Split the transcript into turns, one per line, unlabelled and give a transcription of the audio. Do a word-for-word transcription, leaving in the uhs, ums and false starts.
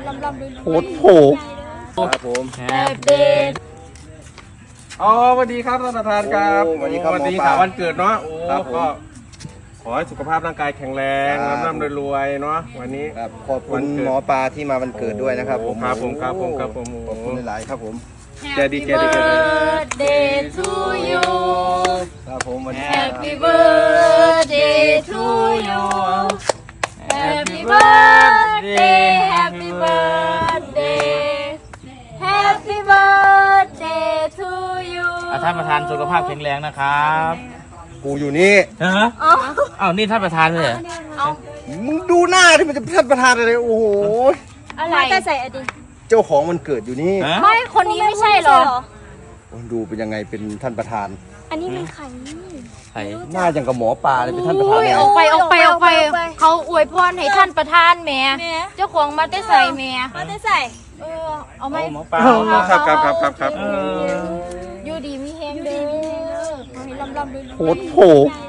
ลำลำด้วย
โหดโผครับผม
เด็ด
อ๋อสวัสดีครับท่านประธานครับ
โอ้สวัสดีครับ
วันนี้
หมอป
ข่า
ลา
ววันเกิดเนาะโอ้
ครับผม
ก็ขอให้สุขภาพร่างกายแข็งแรง
ครับ
ร่ำรวยรวยๆเนาะวันนี้
ครับขอบ
วั
คุณ
นเกิด
หมอปลาที่มาวันเกิดด้วยนะครับผม
ครับผมครับผมครับผม
ขอบคุณหลายๆครับผม
แกดีแกดีแกดี
เดย์ทูยู
ครับผมวันนี้
Happy birthday to you Happy birthday Happy birthday Happy birthday to you
อ่ะท่านประธานสุขภาพแข็งแรงนะครับ
กูอยู่นี่
ฮะอ้าวนี่ท่านประธานเลยเหรอ
มึงดูหน้าที่มันจะท่านประธานอะไรโอ้โห
อะไรแต่ใส่อดีต
เจ้าของวันเกิดอยู่นี่
ฮะ
ไม่คนนี้ไม่ใช่หรอ
ดูเป็นยังไงเป็นท่านประธาน
อันนี้มันใคร
ใคร
หน้าอย่างกับหมอปลาเลยเป็นท่านประธานเลย
ออกไปออกไปออกไป เขาอวยพรให้ท่านประธานแม่เจ้าของมาได้ใส่แม่มาได้ใส่เออเอาไหม
หมอปลา
ครับครับครับครับครับ
เออ
อยู่ดีมีแฮงเด้อให้ลำลำด้วย
โหดโผ
ใ